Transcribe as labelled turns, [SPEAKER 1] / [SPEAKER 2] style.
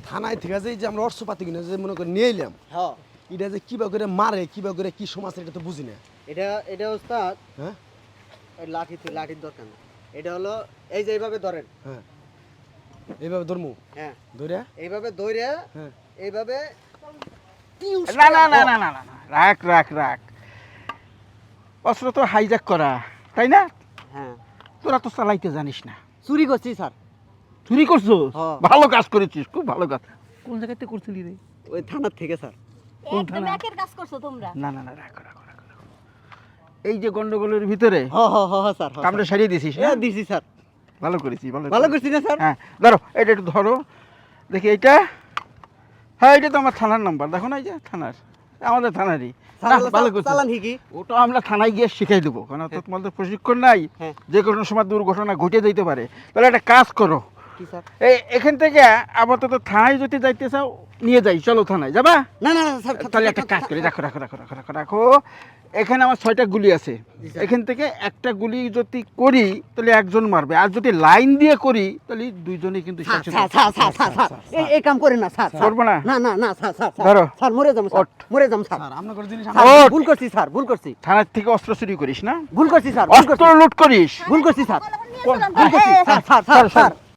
[SPEAKER 1] থানায় থেকে যে আমরা অর্থপাতি কিনে যে মনে করে নিয়ে এলাম,
[SPEAKER 2] হ্যাঁ
[SPEAKER 1] এটা যে কিবা করে মারে কিবা করে কি সমাজ এটা তো বুঝি না।
[SPEAKER 2] এটা ওস্তাদ
[SPEAKER 1] হ্যাঁ
[SPEAKER 2] এই লাঠির দরকার না। এটা হলো এই যে এইভাবে ধরেন।
[SPEAKER 1] হ্যাঁ এইভাবে ধরমু,
[SPEAKER 2] হ্যাঁ
[SPEAKER 1] ধরে
[SPEAKER 2] এইভাবে ধরে
[SPEAKER 1] হ্যাঁ
[SPEAKER 2] এইভাবে
[SPEAKER 3] না না না না না না না, রাখ রাখ রাখ, অস্ত্র তো হাইজ্যাক করা, তাই না?
[SPEAKER 2] হ্যাঁ
[SPEAKER 3] তোরা তো চালাইতে জানিস না।
[SPEAKER 2] চুরি করছি স্যার।
[SPEAKER 3] চুরি করছো?
[SPEAKER 2] হ্যাঁ।
[SPEAKER 3] ভালো কাজ করেছিস, খুব ভালো কাজ। কোন জায়গাতে করছিলি রে?
[SPEAKER 2] ওই থানার থেকে স্যার।
[SPEAKER 3] কোন
[SPEAKER 4] একদম
[SPEAKER 3] থানা?
[SPEAKER 4] একের কাজ করছো তোমরা।
[SPEAKER 3] না না না, রাখো রাখো রাখো রাখো। এই যে গন্ডগোলের ভিতরে
[SPEAKER 2] স্যার
[SPEAKER 3] কামড়ে সারিয়ে দিছিস না?
[SPEAKER 2] দিছি স্যার।
[SPEAKER 3] ভালো করেছিস,
[SPEAKER 2] ভালো করছি না স্যার?
[SPEAKER 3] হ্যাঁ ধরো, এটা একটু ধরো দেখি এইটা। হ্যাঁ এটা তো আমার থানার নাম্বার, দেখো না, এই যে থানার, আমাদের থানারই।
[SPEAKER 2] স্যার
[SPEAKER 3] না, ভালো করছিস।
[SPEAKER 2] চালান কি?
[SPEAKER 3] ওটা আমরা থানায় গিয়ে শিখাই দেবো, কারণ তো তোমাদের প্রশিক্ষণ নাই,
[SPEAKER 2] হ্যাঁ।
[SPEAKER 3] যে কোনো সময় দুর্ঘটনা ঘটে যেতে পারে। তাহলে একটা কাজ করো,
[SPEAKER 2] কি স্যার?
[SPEAKER 3] এখান থেকে আপাতত থানায় যদি যাইতে চাও নিয়ে যাই, চলো থানায় যাবা?
[SPEAKER 2] না না না স্যার,
[SPEAKER 3] তাহলে একটা কাজ করি, রাখো রাখো রাখো রাখো রাখো রাখো। এখানে আমার 6টা গুলি আছে,
[SPEAKER 2] জি স্যার।
[SPEAKER 3] এখান থেকে একটা গুলি যদি করি তাহলে একজন মারবে, আর যদি লাইন দিয়ে করি তাহলে দুইজনেই কিন্তু
[SPEAKER 2] স্যার
[SPEAKER 3] শেষ
[SPEAKER 2] স্যার
[SPEAKER 3] হয়ে
[SPEAKER 2] স্যার স্যার স্যার এই কাম করেন না স্যার।
[SPEAKER 3] করবো না?
[SPEAKER 2] না না না স্যার স্যার
[SPEAKER 3] ধরো।
[SPEAKER 2] স্যার মরে যাম স্যার,
[SPEAKER 3] ওঠ।
[SPEAKER 2] মরে যাম স্যার।
[SPEAKER 1] স্যার আপনার করে জিনিস
[SPEAKER 2] স্যার,
[SPEAKER 3] ওঠ।
[SPEAKER 2] ভুল করছি স্যার, ভুল করছি,
[SPEAKER 3] থানার থেকে অস্ত্র চুরি করিস না?
[SPEAKER 2] ভুল করছি স্যার, ভুল
[SPEAKER 3] অস্ত্র
[SPEAKER 2] করছি,
[SPEAKER 3] লুট করিস?
[SPEAKER 2] ভুল করছি স্যার,
[SPEAKER 4] বলো, নিয়ে
[SPEAKER 3] কোন-
[SPEAKER 4] চলো।
[SPEAKER 2] ভুল করছি
[SPEAKER 4] এই, এই,
[SPEAKER 2] sir, sir
[SPEAKER 3] sir,
[SPEAKER 2] sir sir